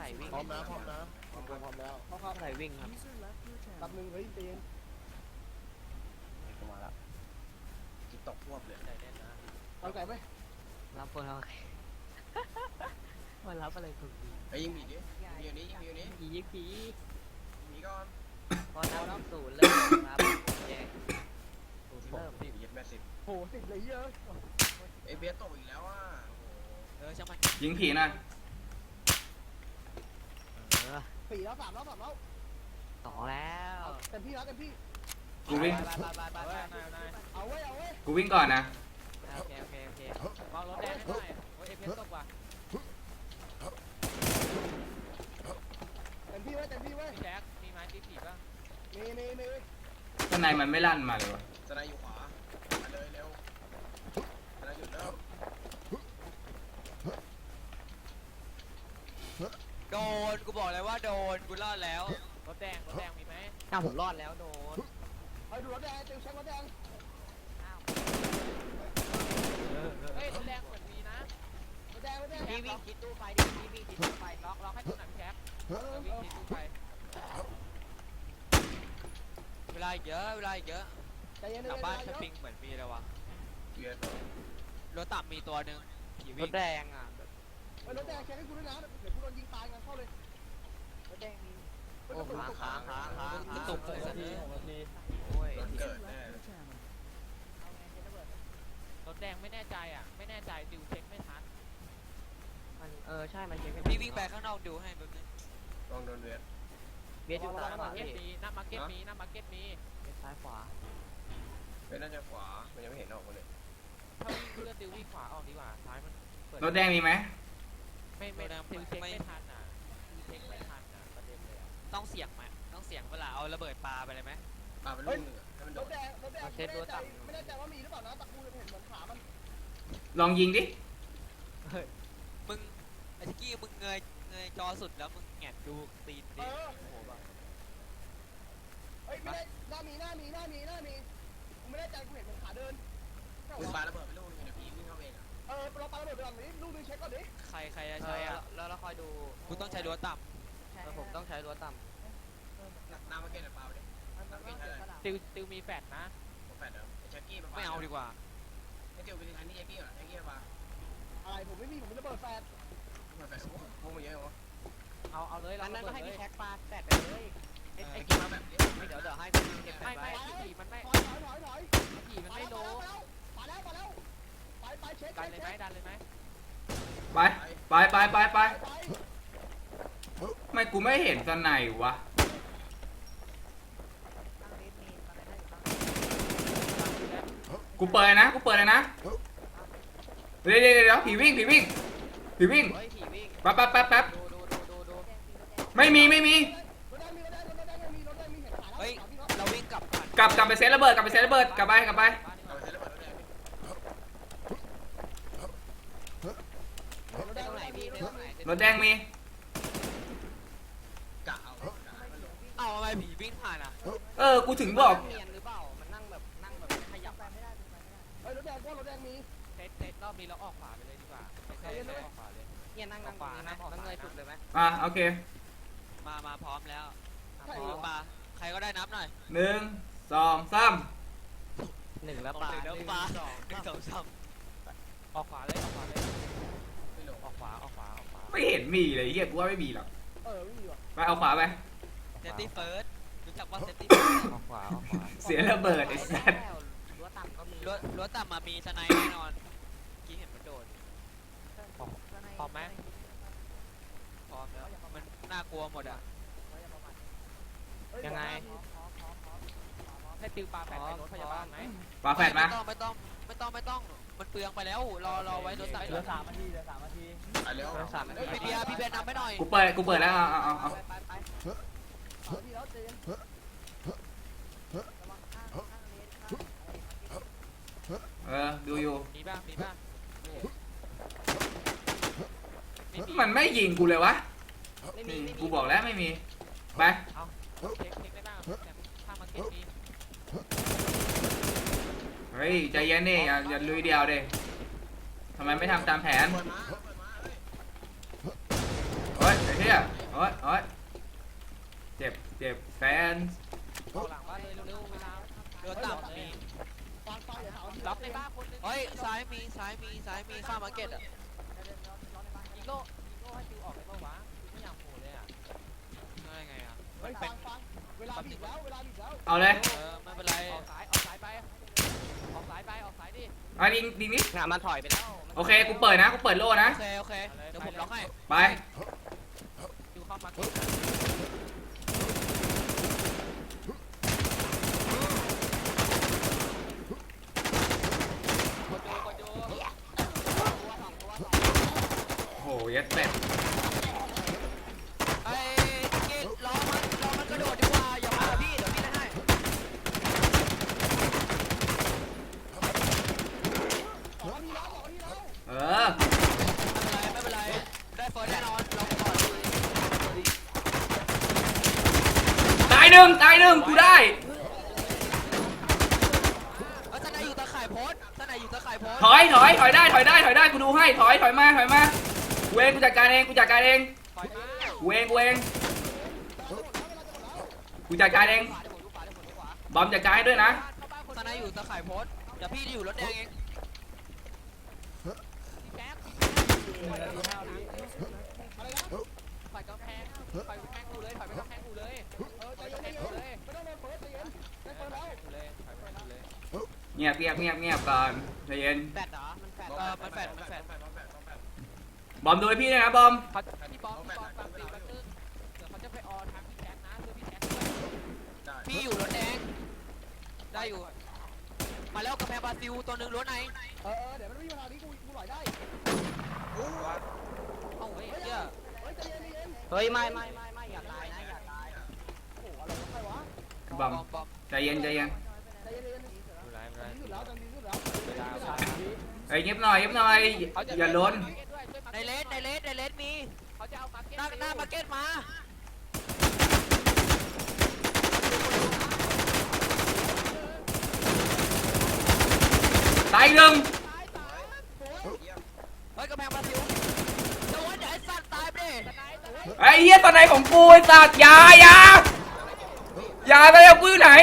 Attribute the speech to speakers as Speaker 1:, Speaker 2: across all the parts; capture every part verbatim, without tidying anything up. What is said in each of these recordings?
Speaker 1: ไหร่วิ่ง
Speaker 2: พร้อมนะพร้อมนะพร้อมพร้อมแล้ว
Speaker 1: เข้าเข้าไหร่วิ่งครับ
Speaker 2: รับหนึ่งเฮ้ยเตียน
Speaker 3: กูมาแล้วจิตตกพวบเลย
Speaker 1: ไหนแน่นนะ
Speaker 2: เอาไก่ไหม
Speaker 1: รับคนเอาไงมารับอะไรถูกดี
Speaker 3: ไอ้ยิงบีดิยิงอยู่นี้ยิงอยู่นี้
Speaker 1: ผียิงผี
Speaker 3: มีก่อน
Speaker 1: พอนับศูนย์เริ่มครับแยกศูนย์
Speaker 3: เริ่
Speaker 1: เริ่
Speaker 3: ม
Speaker 1: ม
Speaker 3: บีเย็ดแม่สิบ
Speaker 2: โหสิบเลยเยอะ
Speaker 3: ไอ้เบียตกอีกแล้วอ่ะ
Speaker 1: เออช่างมัน
Speaker 4: ยิงผีหน่อย
Speaker 1: เออ
Speaker 2: สี่แล้วสามแล้วสามแล้ว
Speaker 1: สองแล้ว
Speaker 2: เต็มที่แล้วเต็มที่
Speaker 4: กูวิ่ง
Speaker 1: ไปไปไปไปไปนายนาย
Speaker 2: เอาไว้เอาไว้
Speaker 4: กูวิ่งก่อนนะ
Speaker 1: โอเคโอเคโอเควางรถแดงให้หน่อยโอ้ยเอฟเอสตกว่ะ
Speaker 2: เต็มที่ไว้เต็มที่ไว้
Speaker 1: พี่แจ็คมีไม้ตีผีป่ะ
Speaker 2: มีมีมี
Speaker 4: ข้างในมันไม่ลั่นมาเลยวะ
Speaker 3: สไนอยู่ขวามาเลยเร็วสไนหยุดเริ่ม
Speaker 1: โดนกูบอกเลยว่าโดนกูรอดแล้วรถแดงรถแดงมีไหมอ้าวผมรอดแล้วโดน
Speaker 2: ไปดูรถแดงเต็มเช็ครถแดง
Speaker 1: เฮ้ยรถแดงเหมือนมีนะ
Speaker 2: รถแดงรถแดง
Speaker 1: พี่วิ่งชิดตู้ไฟดิพี่วิ่งชิดตู้ไฟล็อกล็อกให้ตัวหนังแคป
Speaker 2: เอ
Speaker 1: เอ
Speaker 2: อ
Speaker 1: อ
Speaker 2: เอ
Speaker 1: วิ่ง
Speaker 2: อ
Speaker 1: ชิดตู้ไฟเวลาเยอะเวลาเยอะ
Speaker 2: ใจเย็น
Speaker 1: หลัง
Speaker 2: ๆ
Speaker 1: บ้าน
Speaker 2: เย
Speaker 1: ส
Speaker 2: อะ
Speaker 1: ปริงเหมือนมีเลยวะ
Speaker 3: เบีย
Speaker 1: รถต่ำมีตัวหนึ่งรถแดงอ่ะ
Speaker 2: เออรถแดงเช็คให้กูด้วยนะเดี๋ยวกูโดนยิงตายงั้นเข้าเลย
Speaker 1: รถแดงมี
Speaker 2: โอ้ขา
Speaker 1: ขาขาขาขาตุกเลยสักที
Speaker 2: หกนาที
Speaker 1: โอ้ย
Speaker 3: รถเกิดแน่
Speaker 1: รถแดงไม่แน่ใจอ่ะไม่แน่ใจดิวเช็คไม่ทันมันเออใช่มันเช็ค
Speaker 5: พี่วิ่งไปข้างนอกดูให้แป๊บนึง
Speaker 3: ลองโดนเบียด
Speaker 1: เบียดอยู่หน้ามาร์เก็ตมีหน้ามาร์เก็ตมีหน้ามาร์เก็ตมีซ้ายขวา
Speaker 3: เป็นน่าจะขวามันยังไม่เห็นออกมาเลย
Speaker 1: ถ้าวิ่งเพื่อติววิ่งขวาออกดีกว่าซ้ายมันเปิด
Speaker 4: รถแดงมีไหม
Speaker 1: ไม่ไม่ติวเช็คไม่ทันอ่ะติวเช็คไม่ทันอ่ะประเด็นเลยอ่ะ
Speaker 5: ต้องเสี่ยงไหมต้องเสี่ยงเวลาเอาระเบิดปลาไปเลยไหม
Speaker 3: ปาเป็นลูกหนึ่งให้มันโด
Speaker 2: ร
Speaker 3: น
Speaker 2: ถแดงรถแดงไม่แน่ใจไม่แน่ใจว่ามีหรือเปล่านะแต่กูเห็นเหมือนขามัน
Speaker 4: ลองยิงดิ
Speaker 5: มึงไอ้ทิกกี้มึงเงยเงยจอสุดแล้วมึงแงะดูตีน
Speaker 2: เอ
Speaker 5: ดิ
Speaker 2: อ
Speaker 5: โอ้โหแบบ
Speaker 2: เฮ้ยไม่ได้หน้ามีหน้ามีหน้ามีหน้ามีกูไม่แน่ใจกูเห็นเหมือนขาเดิน
Speaker 3: คุณปาระเบิดเป็นลูกนึงเดี๋ยวผีวิ่งเข้าเองอ่ะ
Speaker 2: เออเราปาระเบิดไปก่อนนี้ลูกนึงเช็คก่อนดิ
Speaker 5: ใครใครจะใช้อ่ะ
Speaker 1: แล้วเราคอยดู
Speaker 5: กูต้องใช้รั้วต่
Speaker 1: ผมต้องใช้รั้วต่
Speaker 3: น้ำมาเก็ตปาไปดิน้ำเก็ตใช่เลย
Speaker 1: ำติวติวมีแฟดนะ
Speaker 3: ผมแปดเดิมไอ้แจ็คกี้มา
Speaker 5: ำไม่เอาดีกว่า
Speaker 3: ไอ้เกี่ยวไปทางนี้แจ็คกี้เหรอแจ็คกี้ปา
Speaker 2: อะไรผมไม่มีผมไม่ระเบิดแฟน
Speaker 3: เปิดแปดพวกมันเยอะเหรอ
Speaker 1: เอาเอาเลยเรา
Speaker 6: อันนั้นก็ให้พี่แท็กปลาแปดไปเลย
Speaker 3: ไอ้กี้มาแบบนี้
Speaker 6: เดี๋ยวเดี๋ยวให้พี่เก็บ
Speaker 1: ไม่
Speaker 6: ไป
Speaker 1: ไม่ผีมันไม่
Speaker 2: ถอยถอยถอยถอย
Speaker 1: ผีมัน
Speaker 2: ไป
Speaker 1: ไม่
Speaker 2: แล้ว
Speaker 1: โล
Speaker 2: ไปแล้วไปแล้วไปไปเช็ค
Speaker 1: ดันเลยไหมดันเลยไหม
Speaker 4: ไป ไปไปไปไป
Speaker 2: ไป
Speaker 4: ไม่กูไม่เห็นตอนไหนวะ กูเปิดนะ กูเปิดเลยนะ เดี๋ยวเดี๋ยวเดี๋ยวผีวิ่งผีวิ่งผีวิ่ง
Speaker 6: เฮ้ยผีวิ่ง
Speaker 4: แป๊บแป๊บแป๊บแป๊บ
Speaker 6: ดูดูดูดูดู
Speaker 4: ไม่มีไม่มี
Speaker 2: รถแดงมีรถแดงรถแดงมีรถแดงมีเห็นขาแล้ว
Speaker 5: เฮ้ย
Speaker 2: ขาพี่
Speaker 5: เราวิ่งกลับผ่าน
Speaker 4: กลับกลับไปเซตระเบิดกลับไปเซตระเบิดกลับไปกลับไป
Speaker 3: เอาไปใช้ระเบิดแล้วเนี่ย
Speaker 2: รถ
Speaker 6: ได้
Speaker 2: แดง
Speaker 6: ตรงไหนพี่ได้ตรงไหน
Speaker 4: รถแดงมี
Speaker 3: กะเอากะมันลง
Speaker 5: เอาทำไมผีวิ่งผ่านอ่ะ
Speaker 4: เออ กูถึงบอก
Speaker 6: เนียนหรือเปล่ามันนั่งแบบนั่งแบบขยับไปไม่ได้
Speaker 2: เฮ้ยรถแดงก็รถแดงมี
Speaker 1: เซตเซตรอบนี้เราออกขวาไปเลยดีกว่าเซตออกขวาเลย
Speaker 6: เนี่ยนั่งนั่งตรงนี้นะนั่งเงยสุดเลยไหม
Speaker 4: อ่ะโอเค
Speaker 5: มามาพร้อมแล้ว
Speaker 2: ใช่
Speaker 5: พร้อมปลาใครก็ได้นับหน่อย
Speaker 4: หนึ่งสองสาม
Speaker 1: หนึ่งแล้วปลา
Speaker 5: หนึ่งแล้วปลาหนึ่งสองสาม
Speaker 1: ออกขวาเลยออกขวาเลย
Speaker 3: ไม่ลง
Speaker 1: ออกขวาออกขวาออกขวา
Speaker 4: ไม่เห็นมีเลยเฮียกูว่าไม่มีหรอก
Speaker 2: เออไม่มีว่ะ
Speaker 4: ไปเอาขวาไป
Speaker 5: เซตตี้เฟิร์สรู้จักว่าเซตตี้
Speaker 1: ออกขวาออกขวา
Speaker 4: เสียระเบิดไอ้สัส
Speaker 6: รั้วต่ำก็มี
Speaker 5: รั้วรั้วต่ำมามีสไนแน่นอนกี้เห็นมันโดด
Speaker 1: พร้อมไหม
Speaker 5: พร้อมแล้วมันน่ากลัวหมดอ่ะ
Speaker 1: ยังไงให้ติวปลาแฟดไปรถพยาบาลไหม
Speaker 4: ปาแฟดมา
Speaker 5: ไม่ต้องไม่ต้องไม่ต้องไม่ต้องมันเปลืองไปแล้วรอรอไว้รถต่ำ
Speaker 1: เหลือสามนาทีเหลือสามนาที
Speaker 3: ไปเร็ว
Speaker 5: พี่เบียร์พี่เบียร์นำไปหน่อย
Speaker 4: กูเปิดกูเปิดแล้วเอาเอาเอาเอา
Speaker 6: ไปไปไป
Speaker 2: สามทีแล้วเจน
Speaker 6: ระวังข้างข้างเลนข้าง
Speaker 4: เออดูอยู่
Speaker 1: มีบ้างมีบ้าง
Speaker 4: มันไม่ยิงกูเลยวะ
Speaker 6: ไม่มี
Speaker 4: นี่
Speaker 6: ไม่มี
Speaker 4: กูบอกแล้วไม่มีไป
Speaker 1: เช็คเช็คได้บ้างแต่ข้างมาร์เก็ตมี
Speaker 4: เฮ้ยใจเย็นนี่อย่าอย่าลุยเดียวเด้ทำไมไม่ทำตามแผน
Speaker 3: เปิดมาเปิดมาเฮ้ย
Speaker 4: โอ้ยไอ้เหี้ยโอ้ยโอ้ยเจ็บเจ็บแฟน
Speaker 1: เข้าหลังบ้านเลยเร็วๆเวลา
Speaker 5: เรือต่ำมี
Speaker 2: ฟังฟังอย่าถาม
Speaker 1: ล็อกในบ้านคนนึง
Speaker 5: เฮ้ยซ้ายมีซ้ายมีซ้ายมีข้ามมาร์เก็ตอ่ะ
Speaker 1: ยิงโล่ยิงโล่ให้ฟิวออกเลยเปล่าวะฟิวไม่อยากโหดเลยอ่ะ
Speaker 5: ได้ไงอ่ะ
Speaker 2: เฮ้ยฟังฟังเวลาบีบแล้วเวลาบีบแล้ว
Speaker 4: เอาเลย
Speaker 5: เออไม่เป็นไร
Speaker 1: ออกสายออกสายไปออกสายไปออกสายดิ
Speaker 4: เอาดิงดิงนิด
Speaker 3: งานมันถอยไปแล้ว
Speaker 4: โอเคกูเปิดนะกูเปิดโล่นะ
Speaker 5: โอเคโอเคเดี๋ยวผมล็อกให้
Speaker 4: ไป
Speaker 1: ฟิวเข้ามากิน
Speaker 5: กดดูกดดู
Speaker 4: โอ้โหเยัดเป็ด
Speaker 5: ไอ้กิ๊กล้อมันล้อมันกระโดดดีกว่าอย่ามากับพี่เดี๋ยวพี่ได้ให้
Speaker 2: สองนาทีแล้วสองนาทีแล้ว
Speaker 4: เออ
Speaker 5: ไม่เป็นไรไม่เป็นไรได้เฟิร์สแน่นอนลองก่อน
Speaker 4: ตายหนึ่งตายหนึ่งกูได้
Speaker 5: เออทนายอยู่ตะข่ายโพสทนายอยู่ตะข่ายโพส
Speaker 4: ถอยถอยถอยได้ถอยได้ถอยได้กูดูให้ถอยถอยมาถอยมากูเองกูจัดการเองกูจัดการเอง
Speaker 1: ปล่อยมา
Speaker 4: กูเองกูเองกูจัดการเอง
Speaker 5: ขวาเดี๋ยวผมดูขวาเดี๋ยวผมดูขวา
Speaker 4: บอมจัดการให้ด้วยนะ
Speaker 1: เข้าบ้านคน
Speaker 5: ทนายอยู่ตะข่ายโพสเดี๋ยวพี่จะอยู่รถแดงเอง
Speaker 1: แป๊บ
Speaker 2: อะไรนะ
Speaker 1: ฝ่ายกำแพงฝ่ายกำแพงกูเลยฝ่ายไปกำแพงกูเลย
Speaker 2: เออใจเย็นใจเย็นไม่ต้องโดนเปิดใจเย็นได้เปิดแล้ว
Speaker 1: กูเลยฝ่ายไปกูเลย
Speaker 4: เงียบเงียบเงียบเงียบก่อนใจเย็น
Speaker 6: แฟดเหรอมันแฟด
Speaker 5: เออมันแฟดมันแฟด
Speaker 4: บอมดูให้พี่ด้วยนะบอม
Speaker 1: เขาพี่บอลพี่บอลฟังฟิวแป๊บนึงเดี๋ยวเขาจะไปออทางพี่แจ็คนะเพื่อพี่แจ็คด้วย
Speaker 5: พี่อยู่รถแดงได้อยู่มาแล้วกำแพงบราซิลตัวหนึ่งรถไหน
Speaker 2: เออเออเดี๋ยวมันไม่มีเวลานี้กูกูหล่อยได้
Speaker 5: เอ้าเฮ้ยเหี้ย
Speaker 2: เฮ้ยใจเย็นใจเย็น
Speaker 6: เฮ้ยไม่ไม่ไม่ไม่อย่าตายนะอย่าตาย
Speaker 2: โอ้โหอะไรวะใครวะ
Speaker 4: บอม
Speaker 5: บอม
Speaker 4: ใจเย็นใจเย็น
Speaker 2: ใจเย็นใจเย็น
Speaker 1: ไม่ไรไม่ไร
Speaker 2: ดีสุดแล้วดีสุดแล้ว
Speaker 1: เวลา
Speaker 4: เฮ้ยเงียบหน่อยเงียบหน่อยอย่าล้น
Speaker 5: ในเลสในเลสในเลสมี
Speaker 1: เขาจะเอามาเก็ต
Speaker 5: หน้าหน้ามาร์เก็ตมา
Speaker 4: ตายหนึ่ง
Speaker 5: เฮ้ยกำแพงบราซิลโดนไอ้สัตว์ตายไปดิ
Speaker 4: ไอ้เหี้ยตอนไหนของกูไอ้สัตว์อยาอยาอยาไปเอากูอยู่ไหน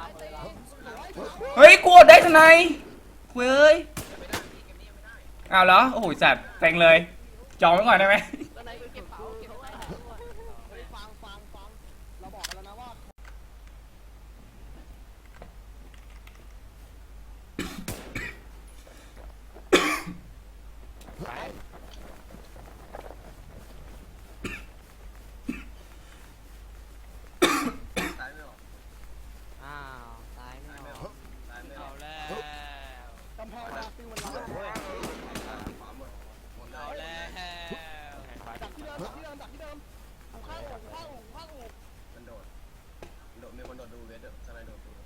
Speaker 4: เฮ้ยกูอดได้ทำไมเว้ยอ้าวเหรอโอ้โหสัตว์เต็งเลยจองไว้ก่อนได้ไหม
Speaker 6: ตอนไหนเก็บเป๋าเก็บเป๋า
Speaker 2: เฮ้ยฟังฟังฟังเราบอกกันแล้วนะว่า
Speaker 3: ตายไม่ออก
Speaker 6: อ้าวตายไม่
Speaker 3: ตายไม่
Speaker 6: อ
Speaker 3: อ
Speaker 6: อ
Speaker 3: อก กตายไม่อ
Speaker 5: เอา
Speaker 3: อก
Speaker 5: แล้ว
Speaker 2: กำแพงบราซิลมันร้อน
Speaker 3: ขวาหมดหมดเล
Speaker 5: เอา
Speaker 3: ย
Speaker 5: แล้ว
Speaker 2: ดักที่เดิมดักที่เดิมดักที่เดิมหูข้างหูข้างหูข้างหู
Speaker 3: มันโดดโดดมีคนโดดดูเวทเด้อสไลด์โดดดู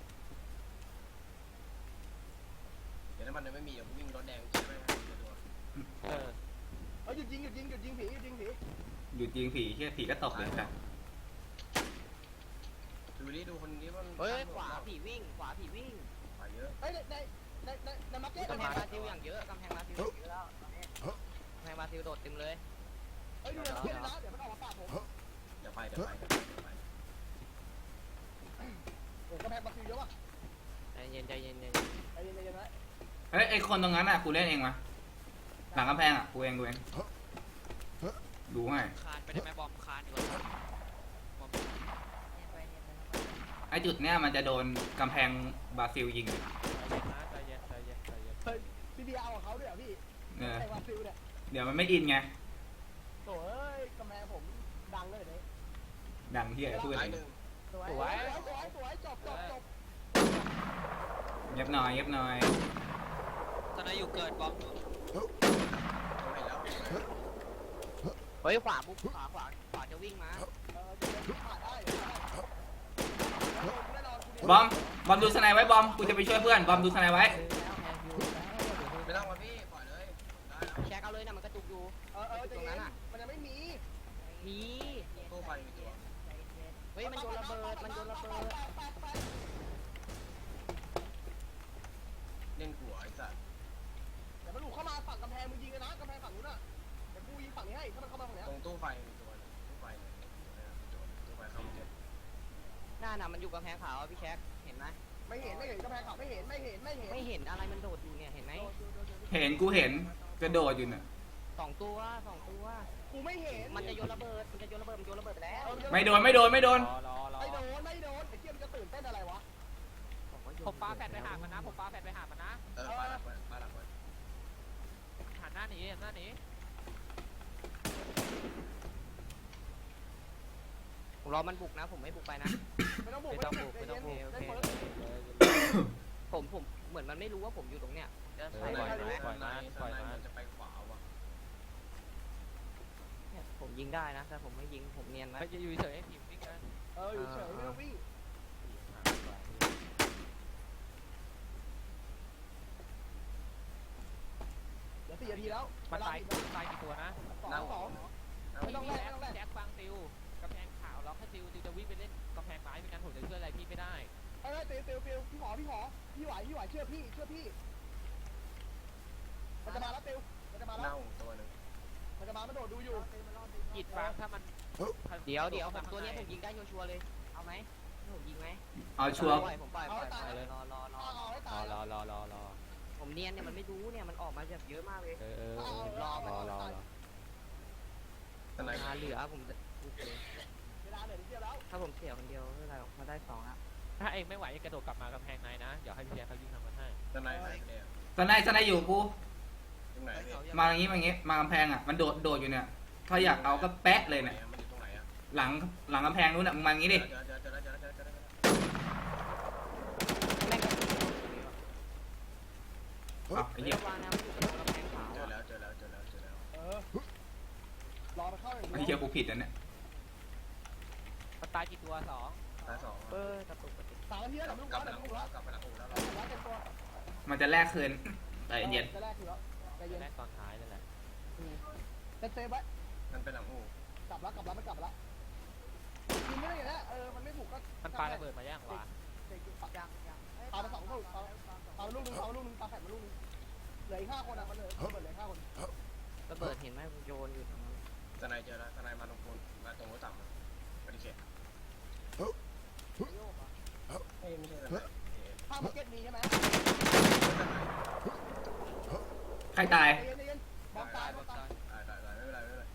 Speaker 3: เดี๋ยวถ้ามันยังไม่มีเดี๋ยวกูวิ่งรถแดงใช่ไหมเดี๋ยวดู
Speaker 1: เออ
Speaker 2: เฮ้ยหยุดยิงหยุดยิงหยุดยิงผีหยุดยิงผี
Speaker 4: หยุดยิงผีเฮียผีก็ตกเลยครับ
Speaker 3: ดูดิดูคนนี้มัน
Speaker 6: เฮ้ยขวาผีวิ่งขวาผีวิ่ง
Speaker 3: ขวาเยอะ
Speaker 2: เฮ้ยในในในในในมาร์เก็ต
Speaker 6: กำแพงบราซิลอย่างเยอะกำแพงบราซิลอย่างเยอะแล้วตอนนี้กำแพงบราซิลโดดเต็มเลย
Speaker 2: เฮ้ยดูในมาร์เก็ตนะเดี๋ยวมันออกมาปาดผม
Speaker 3: เดี๋ยวไปเดี๋ยวไปเดี๋ยวไป
Speaker 2: โอ้กำแพงบราซิลเยอะว่ะ
Speaker 6: ใจเย็นใจเย็นใจ
Speaker 2: ใจเย็นใจเย็นนะ
Speaker 4: เฮ้ยไอคนตรงนั้นอ่ะกูเล่นเองมาหลังกำแพงอ่ะกูเองกูเองดูให้
Speaker 5: คานไปได้ไหมบอมคานดีกว่าบอม
Speaker 4: ไอจุดเนี้ยมันจะโดนกำแพงบราซิลยิง
Speaker 1: ใจเย็นใจเย็นใจเย็น
Speaker 2: เฮ้ยพี่เบียร์เอาของเขาด้วยเหรอพี่
Speaker 4: เออ
Speaker 2: ไอ้บราซิลเนี่ย
Speaker 4: เดี๋ยวมันไม่อินไง
Speaker 2: โถ่เอ้ยกำแพงผมดังเลยเนี่ย
Speaker 4: ดังเฮียพูด
Speaker 3: ตา
Speaker 4: เอย ง
Speaker 3: หนึ่ง
Speaker 2: สวยสวยสวยสวยจบจบจบ
Speaker 4: เงียบหน่อยเงียบหน่อย
Speaker 5: ตอนนั้นอยู่เกิดบอม
Speaker 3: ตรงไหนแล้ว
Speaker 6: เฮ้ยขวาปุ๊บขวาขวาขวาจะวิ่งมา
Speaker 2: เออจะเล่นผ่านได้แน่นอนคุณ
Speaker 4: บอมบอมดูสไนไว้บอมกูจะไปช่วยเพื่อนบอมดูสไนไว้
Speaker 3: ไม่ต้องมาพี่ปล่อยเลยได้แล้ว
Speaker 6: แชกเอาเลยนะมันกระจุกอยู่
Speaker 2: เออเออตรงนั้นอ่ะมันยังไม่มี
Speaker 6: มี
Speaker 3: ตู้ไฟมีตัว
Speaker 6: เฮ้ยมันโยนระเบิดมันโยนระเบิด
Speaker 3: เล่นหัวไอ้สัตว์
Speaker 2: เดี๋ยวมันหลุดเข้ามาฝั่งกำแพงมึงยิงเลยนะกำแพงฝั่งนู้นอ่ะเดี๋ยวกูยิงฝั่งนี้ให้ถ้ามันเข้ามาฝั่งนี้
Speaker 3: ตรงตู้ไฟมีตัวนึง
Speaker 6: น่ะมันอยู่กำแพงขาวพี่แคคเห็นไหม
Speaker 2: ไม่เห็นไม่เห็นกระแพงขาวไม่เห็นไม่เห็นไม่เห็น
Speaker 6: ไม่เห็นอะไรมันโดดอยู่เนี่ยเห็นไหม
Speaker 4: เห็นกูเห็นกระโดดอยู่น่ะ
Speaker 6: สองตัวสองตัว
Speaker 2: กูไม่เห็น
Speaker 6: มันจะโยนระเบิดมันจะโยนระเบิดมันโยนระเบิดไปแล้ว
Speaker 4: ไม่โดนไม่โดนไม่โดน
Speaker 5: รอรอรอ
Speaker 2: ไม่โดนไม่โดนไอ้เกียมจะตื่นเต้นอะไรวะ
Speaker 1: ผมปาแฟดไปหามันนะผมปาแฟดไปหามันนะ
Speaker 3: เออปาหลักไว้ปาหลักไว้
Speaker 1: หันหน้าหนีหันหน้าหนี
Speaker 6: ผมรอมันบุกนะผมไม่บุกไปนะ
Speaker 2: ไม่ต้องบุก
Speaker 5: ไม่ต้องบุกไม่ต้องบุก
Speaker 2: ได้เปิด
Speaker 6: ผมผมเหมือนมันไม่รู้ว่าผมอยู่ตรงเนี้ยจะ
Speaker 5: เอ
Speaker 6: ใส่
Speaker 5: อ
Speaker 6: ไว้
Speaker 5: ปล่อย
Speaker 6: ไหม
Speaker 5: มันปล่อยมันปล่อยมัน
Speaker 3: มันจะไปขวาว่ะ
Speaker 6: เนี่ยผมยิงได้นะแต่ผมไม่ยิงผมเนียนไว้
Speaker 1: ไปอยู่เฉยๆให้ผีวิ่งกัน
Speaker 2: เอออยู่เฉยไม่ต้องวิ่งเดี๋ยวสี่นาทีแล้ว
Speaker 1: มันตายตายกี่ตัวนะ
Speaker 2: สองสอง ไม่ต้องแลกไม่ต้องแลก
Speaker 1: แจ็คฟังติวกำแพงขาวล็อกให้ติวติวจะวิ่งไปเล่นกำแพงไม้ไม่งั้นผมจะช่วยอะไรพี่ไม่ได้
Speaker 2: เอ้ยเตียวเตียวเตียวพี่หอพี่หอพี่ไหวพี่ไหวเชื่อพี่เชื่อพี่มันจะมาแล้วเตียวมันจะมาแล้ว
Speaker 3: เน่าตัวหนึ่ง
Speaker 2: มันจะมามันโดดดูอยู่
Speaker 1: กิดฟังถ้ามัน
Speaker 6: เดี๋ยวเดี๋ยวผมตัวเนี้ยผมยิงได้ชัวร์ๆเลยเอาไหมให้ผมยิงไหม
Speaker 4: เอาชัวร์
Speaker 6: ปล่อยผมปล่อยปล่อยปล่อยเลยรอรอรอ
Speaker 2: เอาเอาให้
Speaker 5: ร
Speaker 2: ตา
Speaker 5: อย รอรอรอรอ
Speaker 6: ผมเนียนเนี่ยมันไม่รู้เนี่ยมันออกมาแบบเยอะมากเลย
Speaker 5: เออเออรอรอรอ
Speaker 3: ตอนไหน
Speaker 6: มาเหลือผมจะ
Speaker 2: เวลาเหลือนิดเดียวแล้ว
Speaker 6: ถ้าผมเสียคนเดียวไม่เป็นไรหรอกมาได้สองแล้ว
Speaker 1: ถ้าเองไม่ไหวกระโดดกลับมากำแพงในนะเดี๋ยวให้พี่แจ็คเขายิงทางมันให้
Speaker 3: ตอนไหนไหนเนี่ย
Speaker 4: สไนด์สไนด์อยู่กู
Speaker 3: ตรงไหนเนี่ย
Speaker 4: มาอย่างงี้มาอย่างงี้มากำแพงอ่ะมันโดดโดดอยู่เนี่ยถ้าอยากเอาก็แปะเลยเนี่ย
Speaker 3: มันอยู่ตรงไหนอ่ะ
Speaker 4: หลังหลังกำแพงนู้นอ่ะมึงมาอย่างงี้ดิ
Speaker 3: เจอเจอเจอเจอเจอเจอเจอ
Speaker 6: แม่งก็
Speaker 4: เอาไอ้เหี้ย
Speaker 6: วางนะมันอยู่ตรงกำแพงขาว
Speaker 3: เจอ
Speaker 6: อะ
Speaker 3: แล้วเจอแล้วเจอแล้วเจอแล้ว
Speaker 2: เออรอมันเข้าอย่าง
Speaker 4: ไอ้
Speaker 2: เดี
Speaker 4: เหี้
Speaker 2: ย
Speaker 4: ยวกูผิดอ่ะเนี่ย
Speaker 1: มันตายกี่ตัวสอง
Speaker 3: ตายสอง
Speaker 6: เออกระตุกกระตุก
Speaker 2: สามนาทีแล้ว
Speaker 3: ก
Speaker 2: เดี๋
Speaker 3: ลั
Speaker 2: ยว
Speaker 3: บ
Speaker 2: มันลุก
Speaker 3: กลั
Speaker 2: แล้
Speaker 3: บ
Speaker 2: ว
Speaker 3: ไป
Speaker 2: เดี๋ยว
Speaker 3: หลั
Speaker 2: มัน
Speaker 3: ง
Speaker 2: ลุก
Speaker 3: อู่
Speaker 2: แล้ว
Speaker 3: แล้วกลับไปหลังอู่แล้ว
Speaker 2: เต็มตัว
Speaker 4: มันจะแลกคืนใจเย็น
Speaker 2: จะแรกคือแล้วใจเย็น
Speaker 1: แรกตอนท้ายนั่นแหละ
Speaker 2: เซฟเซฟไว้
Speaker 3: มันเป็นหลังอู่
Speaker 2: กลับแล้วกลับแล้วมันกลับแล้วกินไม่ได้อย่างนี้เออมันไม่ถูกก็
Speaker 1: มันปาระเบิดมาย่างวะ
Speaker 6: ยังยัง
Speaker 2: ปาไปสองลูกปาปาลูกนึงปาลูกนึงปาแฝดมาลูกนึงเหลืออีกห้าคนอ่ะมันเหลือเหลือเหลือห้าคน
Speaker 6: ระเบิดเห็นไหมมันโยนอยู่ตรงนั้น
Speaker 3: ตอนไหนเจอแล้วตอนไหนมาตรงปูนมาตรงรถต่ำปฏิเสธเอ้ยไม่ใช่ตอนไหน
Speaker 2: ข้าวมาร์เก็ตมีใช่ไหม
Speaker 4: ใครตาย
Speaker 2: ใจเย็นใจเย็นบอมตายบอมตาย
Speaker 3: ตายตายตายไม่เป็นไรไม่เป็นไร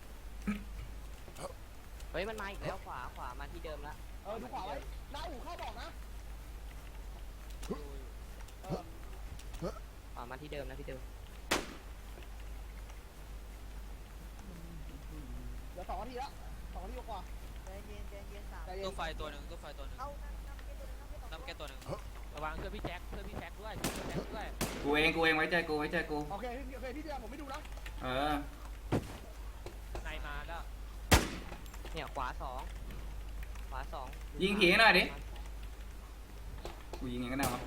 Speaker 6: เฮ้ยมันมาอีกแล้วขวาขวามาที่เดิมละ
Speaker 2: เออดูขวาไว้หน้าอู่เข้าบอกนะเออ
Speaker 6: ขวามาที่เดิมนะที่เดิม
Speaker 2: เหลือสองนาทีละสองนาทีกว่า
Speaker 6: ใจเย็นใจเย็นสาม
Speaker 2: ใจเย็น
Speaker 5: ตู้ไฟตัวหนึ่งตู้ไฟตัวหนึ่ง
Speaker 6: เอาน้ำแก้ตัวนึงน้ำแก้ตัวนึง
Speaker 5: น้ำแก้ตัวหนึ่ง
Speaker 1: ระวังช่วยพี่แจ็คช่วยพี่แจ็คด้วยช่วยพี่แจ็คด้วย
Speaker 4: กูเองกูเองไว้ใจกูไว้ใจกู
Speaker 2: โอเคพี่โอเคพี่เดียวผมไม่ดูนะ
Speaker 4: เออ
Speaker 1: ในมาแล้ว
Speaker 6: เนี่ยขวาสองขวาสอง
Speaker 4: ยิงผีหน่อยดิกูยิงยังไงก็ได้วะ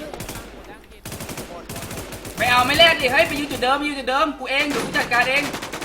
Speaker 4: ไม่เอาไม่แลกดิเฮ้ยไปอยู่จุดเดิมไปอยู่จุดเดิมกูเองเดี๋ยวกูจัดการเอง